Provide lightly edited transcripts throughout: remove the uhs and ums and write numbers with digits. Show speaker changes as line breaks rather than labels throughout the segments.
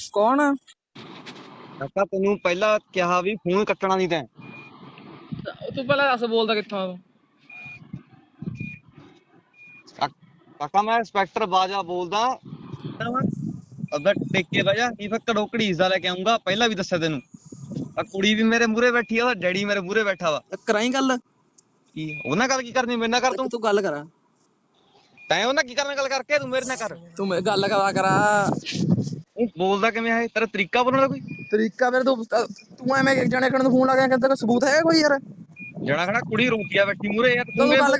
ਕੌਣ?
ਕਾਕਾ ਤੈਨੂੰ ਪਹਿਲਾਂ ਕਿਹਾ ਵੀ ਫੋਨ ਕੱਟਣਾ ਨਹੀਂ ਤੈਂ।
ਤੂੰ ਪਹਿਲਾਂ ਦੱਸ ਬੋਲਦਾ ਕਿੱਥੋਂ ਆ ਤੂੰ?
ਕਾਕਾ ਮੈਂ ਇੰਸਪੈਕਟਰ ਬਾਜਾ ਬੋਲਦਾ। ਅਗਰ ਟਿਕ ਕੇ ਬਹਿ ਜਾ, ਕੀ ਫੱਕੜ ਘੜੀਸਦਾ ਲੈ ਕੇ ਆਉਂਗਾ। ਪਹਿਲਾਂ ਵੀ ਦੱਸਿਆ ਤੈਨੂੰ, ਆ ਕੁੜੀ ਵੀ ਮੇਰੇ ਮੂਹਰੇ ਬੈਠੀ ਆ, ਉਹਦਾ ਡੈਡੀ ਮੇਰੇ ਮੂਹਰੇ ਬੈਠਾ ਵਾ।
ਕਰਾਈ ਗੱਲ।
ਕੀ ਉਹਨਾਂ ਗੱਲ ਕੀ ਕਰਨੀ, ਮੇਰੇ ਨਾਲ ਕਰ।
ਤੂੰ ਗੱਲ ਕਰਾ।
ਤੈਂ ਉਹਨਾਂ ਕੀ ਕਰਨਾ ਗੱਲ ਕਰਕੇ, ਤੂੰ ਮੇਰੇ ਨਾਲ ਕਰ।
ਤੂੰ ਗੱਲ ਕਰਾ।
ਉਹ ਬੋਲਦਾ ਕਿਵੇਂ ਹੈ, ਤੇਰਾ ਤਰੀਕਾ ਬੋਲਣ ਦਾ ਕੋਈ
ਤਰੀਕਾ ਫਿਰ ਤੂੰ ਐਵੇਂ ਇੱਕ ਜਣੇ ਕਰਨ ਨੂੰ ਫੋਨ ਲਾ ਕੇ ਕਹਿੰਦਾ ਕੋਈ ਸਬੂਤ ਹੈ ਕੋਈ ਯਾਰ?
ਜਣਾ ਖੜਾ ਕੁੜੀ ਰੋਂਦੀ ਬੈਠੀ ਮੂਹਰੇ ਯਾਰ।
ਤੂੰ ਗੱਲ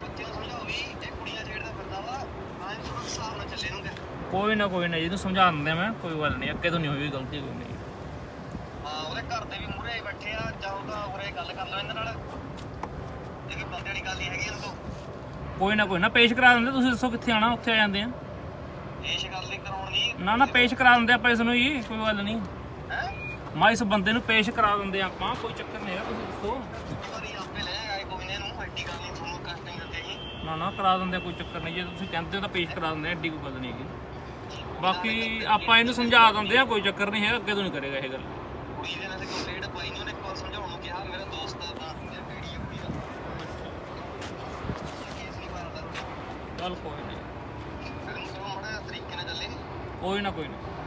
ਕੋਈ ਨਾ ਜੀ ਤੂੰ ਸਮਝਾ ਦਿੰਦਾ ਮੈਂ, ਕੋਈ ਗੱਲ ਨਹੀਂ, ਅੱਗੇ ਤੋਂ ਨਹੀਂ ਹੋਈ ਗਲਤੀ ਕੋਈ ਨਹੀਂ।
ਹਾਂ ਉਹਦੇ ਘਰ ਦੇ ਵੀ ਮੂਹਰੇ ਬੈਠੇ ਆ, ਜਾਓ ਤਾਂ ਉਰੇ ਗੱਲ ਕਰ ਲਓ ਇਹਨਾਂ ਨਾਲ। ਇਹ ਕੋਈ ਬੰਦੇ ਵਾਲੀ ਗੱਲ ਨਹੀਂ ਹੈਗੀ ਇਹਨਾਂ ਤੋਂ।
ਕੋਈ ਨਾ ਪੇਸ਼ ਕਰਾ ਦਿੰਦੇ। ਤੁਸੀਂ ਦੱਸੋ ਕਿੱਥੇ ਆਣਾ, ਉੱਥੇ ਆ ਜਾਂਦੇ ਆ।
ਪੇਸ਼ ਗੱਲ ਨਹੀਂ ਕਰਾਉਣੀ।
ਨਾ ਪੇਸ਼ ਕਰਾ ਦਿੰਦੇ ਆਪਾਂ ਇਸ ਨੂੰ ਜੀ, ਕੋਈ ਗੱਲ ਨਹੀਂ।
ਹੈ
ਮੈਂ ਇਸ ਬੰਦੇ ਨੂੰ ਪੇਸ਼ ਕਰਾ ਦਿੰਦੇ ਆਪਾਂ, ਕੋਈ ਚੱਕਰ ਨਹੀਂ ਹੈਗਾ। ਤੁਸੀਂ ਦੱਸੋ।
ਆਪੇ ਲੈ ਆਏ ਕੋਈ ਨੇ, ਇਹਨੂੰ ਐਡੀ ਗੱਲ ਨਹੀਂ ਤੁਹਾਨੂੰ ਕਸ਼ਟ ਨਹੀਂ ਦਿੰਦੇ ਜੀ।
ਨਾ ਕਰਾ ਦਿੰਦੇ, ਕੋਈ ਚੱਕਰ ਨਹੀਂ। ਜੇ ਤੁਸੀਂ ਕਹਿੰਦੇ ਹੋ ਤਾਂ ਪੇਸ਼ ਕਰਾ ਦਿੰਦੇ, ਐਡੀ ਕੋਈ ਗੱਲ ਨਹੀਂ ਹੈਗੀ। ਬਾਕੀ ਆਪਾਂ ਇਹਨੂੰ ਸਮਝਾ ਦਿੰਦੇ ਆ, ਕੋਈ ਚੱਕਰ ਨਹੀਂ ਹੈਗਾ, ਅੱਗੇ ਤੋਂ ਨਹੀਂ ਕਰੇਗਾ ਇਹ ਗੱਲ।
ਕੁੜੀ ਦੇ ਨਾਲ ਕੰਪਲੇਂਟ ਪਾਈ ਨਹੀਂ ਉਹਨੇ, ਕੋਲ ਸਮਝਾਉਣ ਨੂੰ ਕਿਹਾ ਮੇਰਾ ਦੋਸਤ ਆ ਤਾਂ ਮੇਰਾ ਬੇੜੀ ਆ ਕੁੜੀ ਦਾ। ਕੇਸ ਨਹੀਂ ਮਾਰਦਾ
ਚੱਲ ਕੋਈ ਨਹੀਂ,
ਫਿਰ ਨੂੰ ਥੋੜਾ ਤਰੀਕੇ ਨਾਲ ਚੱਲੇ।
ਕੋਈ ਨਾ